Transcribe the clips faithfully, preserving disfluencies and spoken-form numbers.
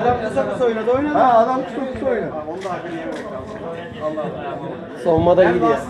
Adam kısa kısa oynadı oynadı. Ha adam kısa kısa oynadı. Onu da hakkını yememek lazım. Allah Allah. Savunmada iyiydi ya.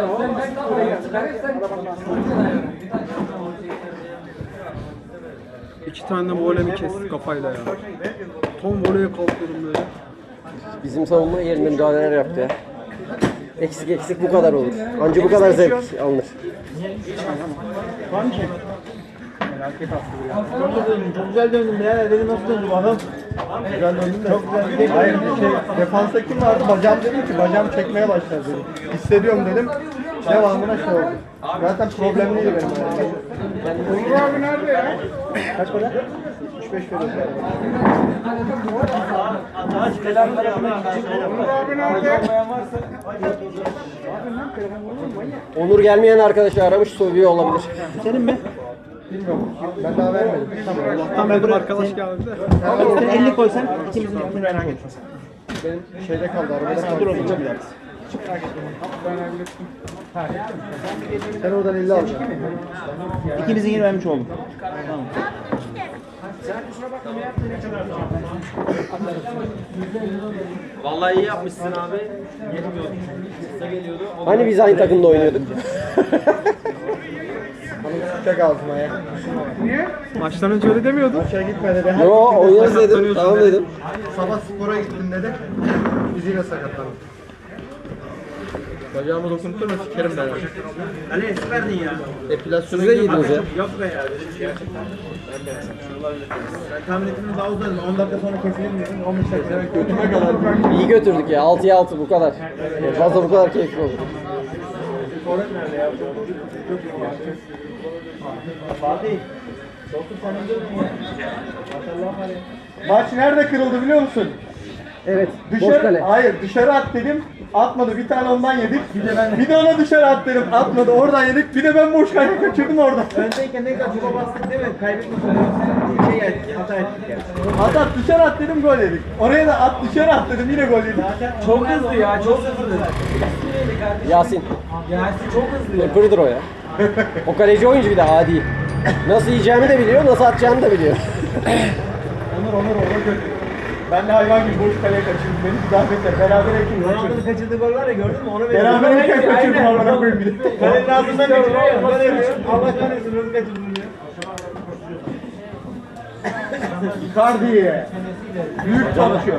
İki tane de volemi kestik kafayla ya. Tam voleye kalkıyorum böyle. Bizim savunma yerinde müdahaleler yaptı ya. Eksik eksik bu kadar olur. Anca bu kadar zevk alınır. Var mı şey? Felaket hastı ya. Çok döndüm, çok güzel döndüm ya. Dedim nasıl döndüm adam? Güzel döndüm de. Çok güzel. Hayır şey, defansta kim vardı? Bacağım dedim ki bacağım çekmeye başladı dedim. Hissediyorum dedim. Devamına şey oldu. Zaten problemliydi benim. Onur abi nerede ya? Kaç para? üç beş veriyoruz. Onur abi nerede? Onur gelmeyen arkadaşı aramış soruyor olabilir. Senin mi? Bilmiyorum. Ben daha vermedim. Tamam. Allah'tan benim arkadaş geldi de. Sen elli koysan ikimizin ikini merak etmez. Benim şeyde kaldı. Arabada Sen kaldı. dur oğlum çok ilerisi. Sen oradan elli alacaksın. İkimizin yeri vermiş oldum. Tamam. Vallahi iyi yapmışsın abi. Gelmiyordu. Kısa geliyordu. Hani biz aynı takımda oynuyorduk. Sıcak ağzıma ya. Maçtan önce öyle demiyordun. Maça gitme dedi. Her Yo gittiğinde oynarız dedim. sakatlanıyorsun Tamam dedi. dedim. Sabah spora gittim dedi. Biz yine sakatlandık. Bacağımı dokunturma sikerim ben. Hani eski verdin ya. Epilasyona Siz de yediniz ya. Yok be ya. Gerçekten. Ben de. Ben tahmin ettim daha uzadım. on dakika sonra kesilir mi? on beş dakika. Evet, götüme kadar. İyi götürdük ya. altıya altı bu kadar. Yani fazla bu kadar keyifli oldu. Forvet nerede ya? Çok iyi ya. Fatih. Doktor sen önce öldün ya. Maşallah var ya. Maç nerede kırıldı biliyor musun? Evet. Boş Dışarı, kale. hayır dışarı at dedim. Atmadı. Bir tane ondan yedik. Bir de ben bir de ona dışarı at dedim. Atmadı. Oradan yedik. Bir de ben boş kale kaçırdım orada. Öndeyken ne kadar çuba bastık değil mi? Kaybetmiş oluyoruz. Şey geldik, hata ettik yani. At at dışarı at dedim gol yedik. Oraya da at dışarı at dedim yine gol yedik. Çok hızlı ya, çok hızlı. Yasin. Yasin çok hızlı ya. Pırdır o ya. O kaleci oyuncu bir de adi. Nasıl yiyeceğimi de biliyor, nasıl atacağımı da biliyor. Onur Onur ona götür. Ben de hayvan gibi boş kaleye kaçırdım. Beni bir zahmetle beraber ekim. Ronaldo'nun kaçırdığı gol var ya gördün mü? Onu veriyor. Beraber ekim kaçırdım Aynen. amına koyayım bir de. Kalenin ağzından kaçırıyor ya. Ben yapıyorum. Allah kahretsin nasıl kaçırdın ya. Icardi'ye. Büyük çalışıyor.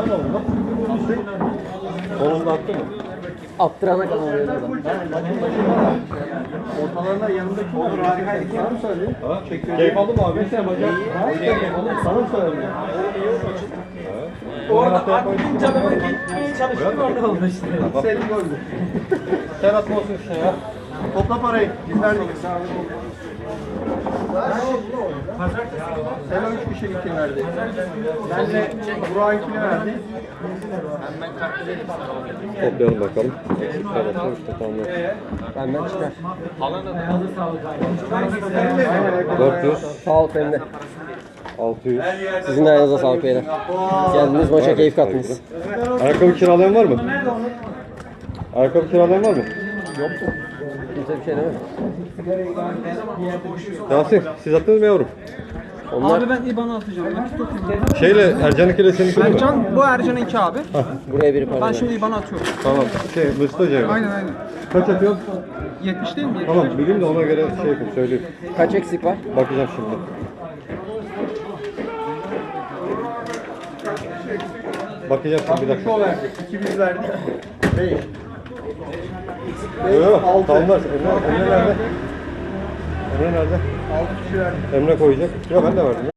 Kolunda attı mı? Attırana kadar oluyor adam. Ortalarında yanındaki olur harikaydı. Sana mı söyledin? Çekiyor. Keyif aldın mı abi? Mesela bacak. Sana mı söyledin? Orada aklın canıma gitmeye çalıştım orada oldu işte. Senin goldü. Sen atmasın işte ya. Topla parayı. Biz verdik. Sen o üç kişi gittin verdi. Ben de Burak'ınkini verdi. Toplayalım bakalım. Evet, işte tamam. Benden çıkar. dört yüz, Sağ ol Femde. altı yüz. Sizin de ayağınıza sağlık beyler. Geldiniz maça keyif kattınız. Ayakkabı kiralayan var mı? Ayakkabı kiralayan var mı? Kimse bir şey demedi. Yasin, siz attınız mı yavrum? Onlar Abi ben İBAN'ı atacağım. Şeyle, Ercan'ınkiyle seninki mi? Ercan, bu Ercan'ınki abi. buraya biri para Ben verdi. şimdi İBAN'ı atıyorum. Tamam. Şey, Mesut Hoca'ya. Aynen aynen. Kaç atıyorsun? yetmiş değil mi? yetmiş. Tamam, bileyim de ona göre şey yapayım, söyleyeyim. Kaç eksik var? Bakacağım şimdi. Bakacağım şimdi bir dakika. Şu verdik. İki biz verdik. Beş. Yok yok, Altı. tamam var. Emre, Emre nerede? Emre nerede? Altı kişi verdik. Emre koyacak. Ya ben de verdim ya.